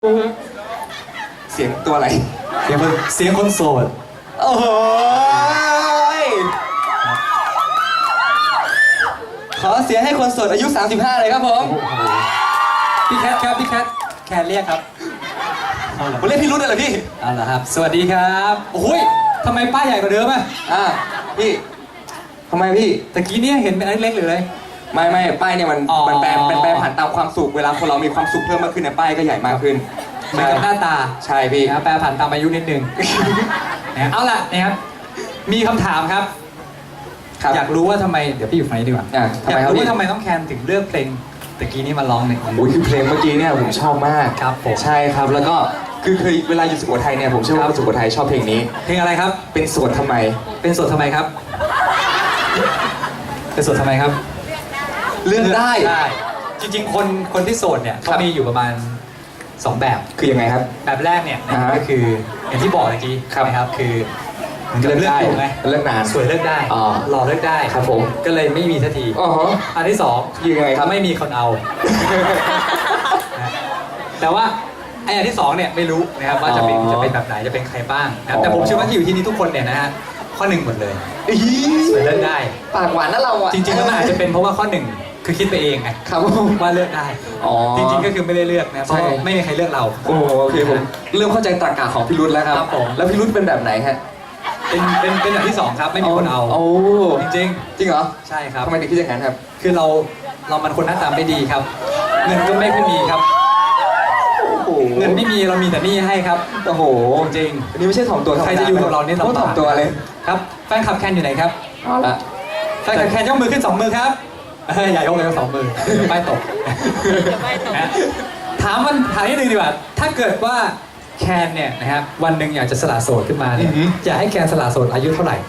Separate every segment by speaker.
Speaker 1: เสียงตัวอะไร
Speaker 2: เสียงคนโสด
Speaker 1: โอ้โหขอเสียงให้คนโสดอายุ35เลยครับผม
Speaker 2: พี่แคทครับพี่แคทแคนเรียกครับ
Speaker 1: ผมเรียกพี่รุ่นเลยเหรอพี่
Speaker 2: เอาเหรอครับสวัสดีครับโอ้ยทำไมป้ายใหญ่กว่าเดิมอ่ะ
Speaker 1: พี่ทำไมพี่
Speaker 2: ตะกี้เนี่ยเห็นเป็นเล็กๆหรืออะไร
Speaker 1: ไม่ป้ายเนี่ยมันแปลผ่านตามความสุขเวลาคนเรามีความสุขเพิ่มมากขึ้นเนี่ยป้ายก็ใหญ่มากขึ้น
Speaker 2: เหมือนกับหน้าตา
Speaker 1: ใช่พี่
Speaker 2: แปลผ่านตามอายุนิดนึงเอาล่ะนะครับมีคำถามครับอยากรู้ว่าทำไมเดี๋ยวพี่อยู่ฝั่งนี้ดีกว่าอยากรู้ว่าทำไมต้องแคนถึงเลือกเพลงตะกี้นี้มาร้องเนี่ย
Speaker 1: คือเพลงเมื่อกี้เนี่ยผมชอบมาก
Speaker 2: ครับผม
Speaker 1: ใช่ครับแล้วก็คือเคยเวลาอยู่สุโขทัยเนี่ยผมเชื่อว่าสุโขทัยชอบเพลงนี้
Speaker 2: เพลงอะไรครับ
Speaker 1: เป็นโสดทำไม
Speaker 2: เป็นโสดทำไมครับเป็นโสดทำไมครับ
Speaker 1: เลือกได้
Speaker 2: จริงๆคนที่โสดเนี่ยเขามีอยู่ประมาณ2แบบ
Speaker 1: คือยังไงครับ
Speaker 2: แบบแรกเนี่ยก็คืออย่างที่บอกเมื่อกี้นะครับคือ
Speaker 1: เลิกได้
Speaker 2: เลิกนานสวยเลิกได้หล่อเลิกได้
Speaker 1: ครับผม
Speaker 2: ก็เลยไม่มีทันทีอันที่2
Speaker 1: ยังไงครับ
Speaker 2: ไม่มีคนเอาแต่ว่าไอ้อันที่2เนี่ยไม่รู้นะครับว่าจะเป็นแบบไหนจะเป็นใครบ้างนะแต่ผมเชื่อว่าที่อยู่ที่นี่ทุกคนเนี่ยนะฮะข้อ1หมดเลยสวยเลิกได้
Speaker 1: ปากหวานนะเราอ่ะ
Speaker 2: จริงๆแล้วมันอาจจะเป็นเพราะว่าข้อ1คือคิดไปเองไง
Speaker 1: ครับ
Speaker 2: ว่าเลือกได้จริงๆก็คือไม่ได้เลือกนะเพราะไม่มีใครเลือกเรา
Speaker 1: โอเคผมเริ่มเข้าใจตรรกะของพี่รุ่นแล้วครับแล้วพี่รุ่นเป็นแบบไหนฮะ
Speaker 2: เป็นอย่างที่2ครับไม่มีคนเอาจริง
Speaker 1: เหรอ
Speaker 2: ใช่ครับ
Speaker 1: ทำไมถึงคิดอย่างนั้นครับ
Speaker 2: คือเรามันคนหน้าตาไม่ดีครับเงินก็ไม่ค่อยมีครับเงินไม่มีเรามีแต่หนี้ให้ครับ
Speaker 1: โอ้โห
Speaker 2: จริง
Speaker 1: อันนี้ไม่ใช่ถ่อมตัว
Speaker 2: ใครจะอยู่กับเราเนี่ย
Speaker 1: ต้องถ่อมตัวเลย
Speaker 2: ครับแฟนคลับแคนอยู่ไหนครับ
Speaker 1: เอาละ
Speaker 2: แฟนคลับแคนยกมือขึ้น2 มือครับอย่ายกเลย2 มือไม่ตกถามนิดนึงดีกว่าถ้าเกิดว่าแคนเนี่ยนะครับวันหนึ่งอยากจะสละโสดขึ้นมาเนี่ยอยากให้แคนสละโสดอายุเท่าไหร่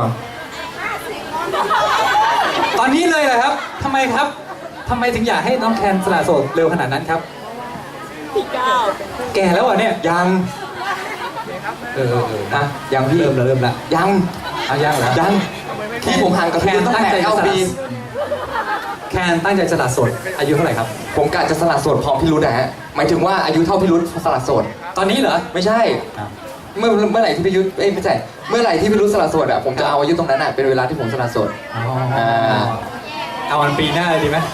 Speaker 2: ตอนนี้เลยเหรอครับทำไมครับทำไมถึงอยากให้น้องแคนสละโสดเร็วขนาดนั้นครับแก่แล้วอ่ะเนี่ย
Speaker 1: ยัง
Speaker 2: ยังพี่เริ่มละ
Speaker 1: ยัง
Speaker 2: ยังเหรอ
Speaker 1: ยังที่ผมห่างกับแคนตั้งแต่9 ปี
Speaker 2: แคนตั้งใจสละโสดอายุเท่าไหร่ครับ
Speaker 1: ผมกะจะสละโสดพร้อมพี่รุ่นนะฮะหมายถึงว่าอายุเท่าพี่รุ่นสละโสด
Speaker 2: ตอนนี้เหรอ
Speaker 1: ไม่ใช่เมื่อไหร่ที่พี่รุ่นไม่ใช่เมื่อไหร่ที่พี่รุ่นสละโสดอ่ะผมจะเอาอายุตรงนั้นอ่ะเป็นเวลาที่ผมสละโสด
Speaker 2: เอาวันปีหน้าเลยดีไหม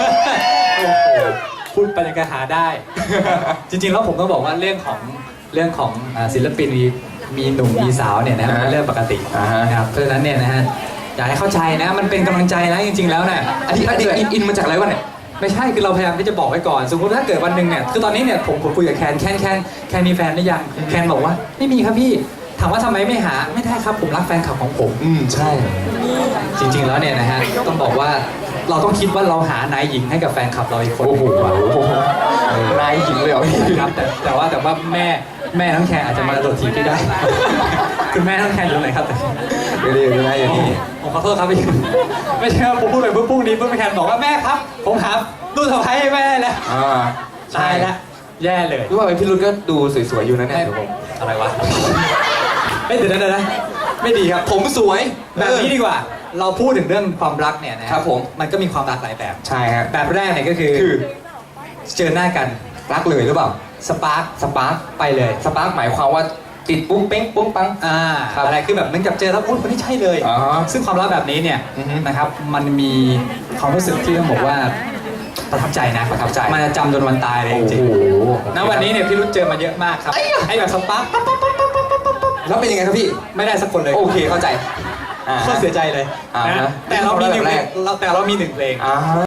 Speaker 2: พูดไปยังไงหาได้จริงๆแล้วผมต้องบอกว่าเรื่องของศิลปินมีหนุ่มมีสาวเนี่ยนะเป็นเรื่องปกตินะครับเพราะฉะนั้นเนี่ยนะฮะอยากให้เข้าใจนะมันเป็นกำลังใจนะจริงๆแล้วเนี่ย
Speaker 1: อันนี้อินมาจากอะไรวะเนี่ย
Speaker 2: ไม่ใช่คือเราพยายามที่จะบอกไว้ก่อนสมมติถ้าเกิดวันหนึ่งเนี่ยคือตอนนี้เนี่ยผมคุยกับแคนมีแฟนหรือยังแคนบอกว่าไม่มีครับพี่ถามว่าทำไมไม่หาไม่ได้ครับผมรักแฟนคลับของผม
Speaker 1: ใช่
Speaker 2: จริงๆแล้วเนี่ยนะฮะต้องบอกว่าเราต้องคิดว่าเราหานายหญิงให้กับแฟนคลับเราอีกคน
Speaker 1: นายหญิงเลยเหรอ
Speaker 2: ครับแต่ว่าแม่น้องแคนอาจจะมาโดดถีบพี่ได้คุณแม่น้องแคนอยู่ไหนครับ
Speaker 1: ไม่ได้อย่างนี้
Speaker 2: ผมขอโทษครับพี่ไม่ใช่ว่าผมพูดไปปุ๊บนี้ปุ๊บแคนบอกว่าแม่ครับผมหาดูสะพ้ายให้แม่แล้วใช่ละแย่เลย
Speaker 1: รู้ว่าพี่รุ่นก็ดูสวยๆอยู่นะเนี่ย
Speaker 2: อะไรวะไม่ถึงนั้นนะไม่ดีครับ
Speaker 1: ผมสวย
Speaker 2: แบบนี้ดีกว่าเราพูดถึงเรื่องความรักเนี่ยนะครับ
Speaker 1: ผม
Speaker 2: มันก็มีความรักหลายแบบ
Speaker 1: ใช่ครับ
Speaker 2: แบบแรกเนี่ยก็คือเจอหน้ากัน
Speaker 1: รักเลยหรือเปล่า
Speaker 2: สปาร์คไปเลย
Speaker 1: สปาร์คหมายความว่าติดปุ้งเป้งปุ้งปัง
Speaker 2: อะไรคือแบบเหมือนกับเจอแล้วคนนี้ใช่เลยซึ่งความรักแบบนี้เนี่ยนะครับมันมีความรู้สึกที่ต้องบอกว่าประทับใจนะ
Speaker 1: ประทับใจ
Speaker 2: มันจะจำจนวันตายเลยจริงๆณวันนี้เนี่ยพี่รุ่เจอมาเยอะมากครับไอ้แบบสปาร์ค
Speaker 1: แล้วเป็นยังไงครับพี่
Speaker 2: ไม่ได้สักคนเลย
Speaker 1: โอเคเข้าใจ
Speaker 2: ก็เสียใจเลยนะแต่เรามี1 เพลง